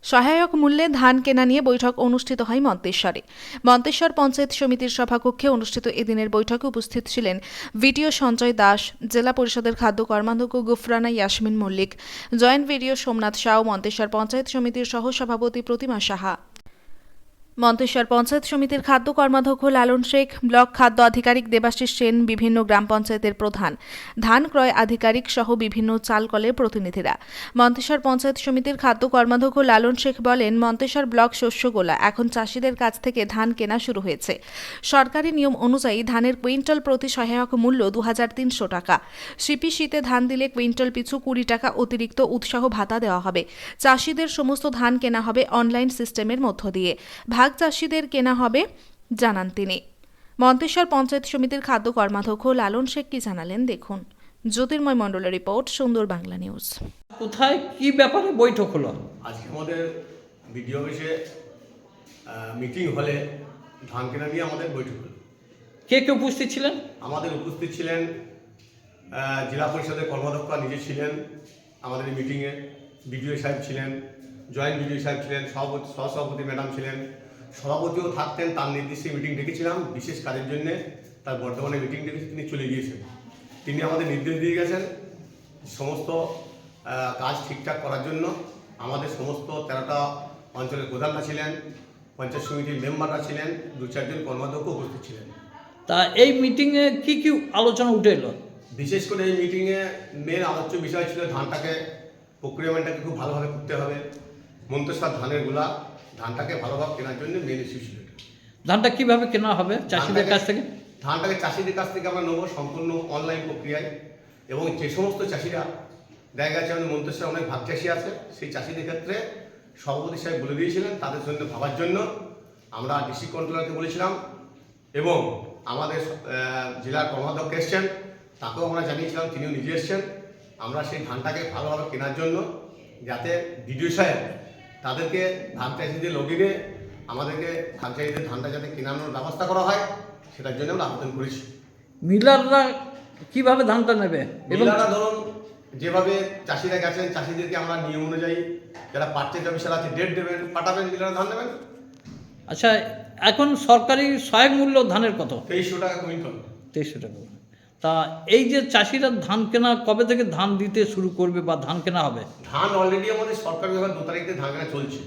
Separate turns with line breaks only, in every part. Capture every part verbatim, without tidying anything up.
সহায়ক মূল্যে ধান কেনা নিয়ে বৈঠক অনুষ্ঠিত হয় মন্তেশ্বরে। মন্তেশ্বর পঞ্চায়েত সমিতির সভাকক্ষে অনুষ্ঠিত এদিনের বৈঠকে উপস্থিত ছিলেন ভিডিও সঞ্জয় দাস, জেলা পরিষদের খাদ্য কর্মাধ্যক্ষ গুফরানা ইয়াসমিন মল্লিক, জয়েন্ট ভিডিও সোমনাথ সাউ, মন্তেশ্বর পঞ্চায়েত সমিতির সহসভাপতি প্রতিমা সাহা। মন্তেশ্বর পঞ্চায়েত সমিতির খাদ্য কর্মাধ্যক্ষ লালন শেখ, ব্লক খাদ্য আধিকারিক দেবাশিস সেন, বিভিন্ন গ্রাম পঞ্চায়েতের প্রধান, ধান ক্রয় আধিকারিক সহ বিভিন্ন চালকলের প্রতিনিধিরা। মন্তেশ্বর পঞ্চায়েত সমিতির খাদ্য কর্মাধ্যক্ষ লালন শেখ বলেন, মন্তেশ্বর ব্লক শস্যগোলা এখন চাষিদের কাছ থেকে ধান কেনা শুরু হয়েছে। সরকারি নিয়ম অনুযায়ী ধানের কুইন্টাল প্রতি সহায়ক মূল্য দু হাজার তিনশো টাকা। সিপি শীতে ধান দিলে কুইন্টাল পিছু কুড়ি টাকা অতিরিক্ত উৎসাহ ভাতা দেওয়া হবে। চাষিদের সমস্ত ধান কেনা হবে অনলাইন সিস্টেমের মধ্য দিয়ে। ভাগ চাষিদের কেনা হবে জানান তিনি। মন্তেশ্বর পঞ্চায়েত সমিতির খাদ্য কর্মাধ্যক্ষ লালন শেখ কি জানালেন দেখুন। জ্যোতির্ময় মণ্ডলের রিপোর্ট, সুন্দর বাংলা নিউজ।
কোথায় কি ব্যাপারে বৈঠক হলো?
আজকে আমাদের বিডিও অফিসে মিটিং হলে ধান কেনা নিয়ে আমাদের বৈঠক হলো।
কে কে উপস্থিত ছিলেন? আমাদের
উপস্থিত ছিলেন জেলা পরিষদের কর্মাধ্যক্ষ নিজে ছিলেন আমাদের এই মিটিংয়ে, বিডিও সাহেব ছিলেন, জয়েন্ট বিডিও সাহেব ছিলেন, সভাপতি সহসভাপতি ম্যাডাম ছিলেন, সভাপতিও থাকতেন। তার নির্দিষ্টে মিটিং ডেকেছিলাম বিশেষ কাজের জন্যে, তার বর্তমানে মিটিং ডেকে তিনি চলে গিয়েছেন। তিনি আমাদের নির্দেশ দিয়ে গেছেন সমস্ত কাজ ঠিকঠাক করার জন্য। আমাদের সমস্ত তেরোটা অঞ্চলের প্রধানরা ছিলেন, পঞ্চায়েত সমিতির মেম্বাররা ছিলেন, দু চারজন কর্মাধ্যক্ষ উপস্থিত ছিলেন।
তা এই মিটিংয়ে কি কি আলোচনা উঠে এলো?
বিশেষ করে এই মিটিংয়ে মেন আলোচ্য বিষয় ছিল ধানটাকে প্রক্রিয়ামেন্টটাকে খুব ভালোভাবে করতে হবে। মন্তেশ্বর ধানের গুলা ধানটাকে ভালোভাবে কেনার জন্য মেন ইস্যু ছিল।
ধানটা কিভাবে কেনা হবে চাষিদের কাছ থেকে?
ধানটাকে চাষিদের কাছ থেকে আমরা নেবো সম্পূর্ণ অনলাইন প্রক্রিয়ায়, এবং যে সমস্ত চাষিরা দেখা গেছে আমাদের মন্তেশ্বরে অনেক ভাগ চাষি আছে, সেই চাষিদের ক্ষেত্রে সভাপতি সাহেব বলে দিয়েছিলেন তাদের জন্য ভাবার জন্য। আমরা ডিস্ট্রিক্ট কন্ট্রোলারকে বলেছিলাম এবং আমাদের জেলার কর্মাধ্যক্ষ এসছেন, তাকেও আমরা জানিয়েছিলাম, তিনিও নিজে এসছেন। আমরা সেই ধানটাকে ভালোভাবে কেনার জন্য যাতে বিডিও সাহেব তাদেরকে ধান চাষিদের লগিনে আমাদেরকে ধান চাষিদের ধানটা যাতে কেনানোর ব্যবস্থা করা হয় সেটার জন্য আমরা আবেদন করেছি।
মিলাররা কিভাবে ধানটা নেবে?
মিলাররা ধরুন যেভাবে চাষিরা গেছেন, চাষিদেরকে আমরা নিয়ম অনুযায়ী যারা পার্চেজ অফিসার আছে ডেট দেবেন, পাঠাবেন, মিলাররা ধান নেবেন।
আচ্ছা, এখন সরকারি সহায়ক মূল্য ধানের কত?
তেইশশো টাকা কুইন্টাল।
তেইশশো টাকা। তা এই যে চাষিরা ধান কেনা কবে থেকে ধান দিতে শুরু করবে বা ধান কেনা হবে?
ধান অলরেডি আমাদের সরকারি ভাবে দু তারিখ থেকে ধান কেনা চলছে,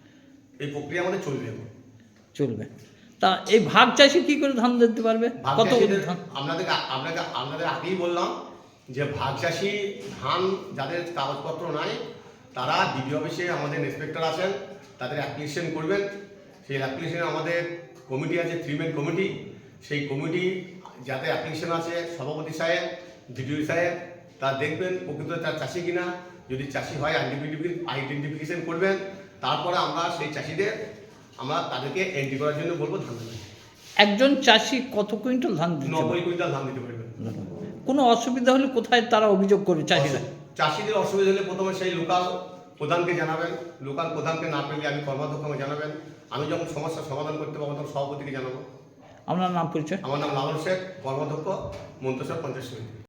এই প্রক্রিয়া আমাদের চলবে
চলবে। তা এই ভাগ চাষি কি করে ধান দিতে পারবে? কত ধান?
আপনাদের আপনাকে আপনাদের আগেই বললাম যে ভাগ চাষি ধান যাদের কাগজপত্র নাই তারা ডিডিও অফিসে আমাদের ইন্সপেক্টর আছেন, তাদের অ্যাপ্লিকেশন করবেন। সেই অ্যাপ্লিকেশনে আমাদের কমিটি আছে, থ্রি মেন কমিটি। সেই কমিটি যাতে অ্যাপ্লিকেশন আছে সভাপতি সাহেব, ডিডিও সাহেব, তা দেখবেন প্রকৃত তার চাষি কিনা। যদি চাষি হয় আইডেন্টিফিকেশন করবেন, তারপরে আমরা সেই চাষিদের আমরা তাদেরকে এন্ট্রি করার জন্য বলবো ধান দেবেন।
একজন চাষি কত কুইন্টাল ধান দিতে?
নব্বই কুইন্টাল ধান দিতে পারবেন।
কোনো অসুবিধা হলে কোথায় তারা অভিযোগ করবে চাষিরা?
চাষিদের অসুবিধা হলে প্রথমে সেই লোকাল প্রধানকে জানাবেন, লোকাল প্রধানকে না পেলে আমি কর্মাধ্যক্ষকে জানাবেন। আমি যখন সমস্যার সমাধান করতে পারবো তখন সভাপতিকে জানাবো।
আপনার নাম পরিচয়?
আমার নাম লালন শেখ, কর্মাধ্যক্ষ, মন্তেশ্বর পঞ্চায়েত সমিতি।